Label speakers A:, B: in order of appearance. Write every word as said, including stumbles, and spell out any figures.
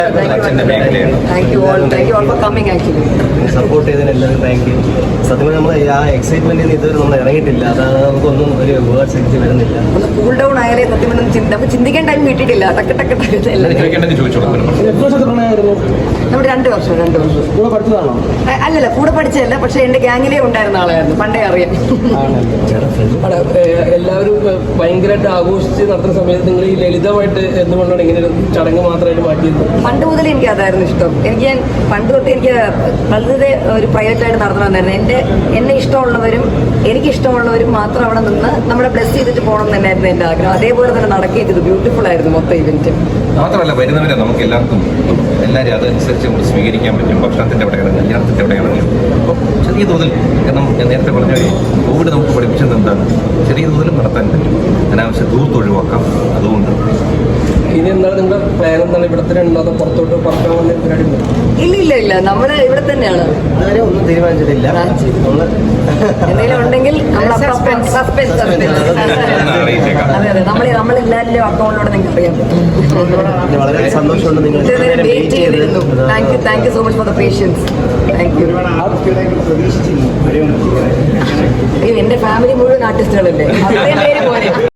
A: Thank you all thank you all for coming actually
B: support ചെയ്തതിന് എല്ലാവരും thank you. സത്യം നമ്മൾ ആ എക്സൈറ്റ്മെന്റിൽ നിന്ന് ഇതുവരെ നമ്മൾ ഇറങ്ങിയിട്ടില്ല. അതാണ് നമുക്കൊന്നും ഒരു വേർഡ്സ് എനിക്ക് വരുന്നില്ല.
A: ഒന്ന് കൂൾ ഡൗൺ ആയാലേ സത്യം നമുക്ക് ചിന്തിക്കാൻ ടൈം കിട്ടിയിട്ടില്ല. ടക്ക് ടക്ക് ടക്ക് നമ്മുടെ രണ്ട് വർഷം രണ്ട് വർഷം
C: കൂടെ പഠിച്ചതാണോ?
A: അല്ലല്ല, കൂടെ പഠിച്ചതല്ല, പക്ഷെ എന്റെ ഗ്യാങ്ങിലേ ഉണ്ടായിരുന്ന ആളായിരുന്നു, പണ്ടേ അറിയാം.
C: എല്ലാവരും ഭയങ്കരമായിട്ട് ആഘോഷിച്ച് നടത്തുന്ന സമയത്ത് നിങ്ങൾ ഈ ലളിതമായിട്ട് എന്തുകൊണ്ടാണ് ഇങ്ങനെ ഒരു ചടങ്ങ് മാത്രമായിട്ട് മാറ്റിയത്?
A: പണ്ട് മുതൽ എനിക്ക് അതായിരുന്നു ഇഷ്ടം. എനിക്ക് ഞാൻ പണ്ട് തൊട്ട് എനിക്ക് വളരെ ഒരു പ്രൈവറ്റ് ആയിട്ട് നടത്തണമെന്നായിരുന്നു. എൻ്റെ എന്നെ ഇഷ്ടമുള്ളവരും എനിക്ക് ഇഷ്ടമുള്ളവരും മാത്രം അവിടെ നിന്ന് നമ്മളെ ബ്ലെസ് ചെയ്തിട്ട് പോകണം എന്ന് തന്നെയായിരുന്നു എൻ്റെ ആഗ്രഹം. അതേപോലെ തന്നെ നടക്കുകയും ചെയ്തു. ബ്യൂട്ടിഫുൾ ആയിരുന്നു മൊത്തം ഇവന്റ്.
D: മാത്രമല്ല വരുന്നവരെ നമുക്ക് എല്ലാവർക്കും എല്ലാവരും അതനുസരിച്ച് നമ്മൾ സ്വീകരിക്കാൻ പറ്റും. ഭക്ഷണത്തിൻ്റെ എവിടെയാണ്, കല്യാണത്തിൻ്റെ എവിടെയാണെങ്കിലും അപ്പോൾ ചെറിയ തോതിൽ, കാരണം ഞാൻ നേരത്തെ പറഞ്ഞ കോവിഡ് നമുക്ക് പഠിപ്പിച്ചത് എന്താണ്, ചെറിയ തോതിലും നടത്താൻ പറ്റും. അനാവശ്യ ദൂരത്ത് ഒഴിവാക്കാം. അതുകൊണ്ട്
C: ഇനി എന്താണ് നിങ്ങളുടെ പ്ലാൻ? എന്താണ് ഇവിടെ തന്നെ ഉണ്ടോ അതോ പുറത്തോട്ട് പറക്കാൻ വന്ന പരിപാടി ഉണ്ടോ?
A: ഇല്ല ഇല്ല ഇല്ല, നമ്മള് ഇവിടെ തന്നെയാണ്.
B: അതുവരെ ഒന്നും തീരുമാനിച്ചിട്ടില്ല. നമ്മള്
A: എന്തെങ്കിലും ഉണ്ടെങ്കിൽ നമ്മൾ സസ്പെൻസ് സസ്പെൻസ് അതെ അതെ നമ്മൾ നമ്മളെല്ലാവരുടെയും അക്കൗണ്ടിലൂടെ നിങ്ങൾക്ക് അറിയാൻ പറ്റും.
B: വളരെ സന്തോഷമുണ്ട് നിങ്ങൾ
A: വെയിറ്റ് ചെയ്തിരുന്നു. Thank you thank you so much for the patience. Thank you. എന്റെ ഫാമിലി മുഴുവൻ ആർട്ടിസ്റ്റുകളല്ലേ, അത്രയും പേര് പോലെ.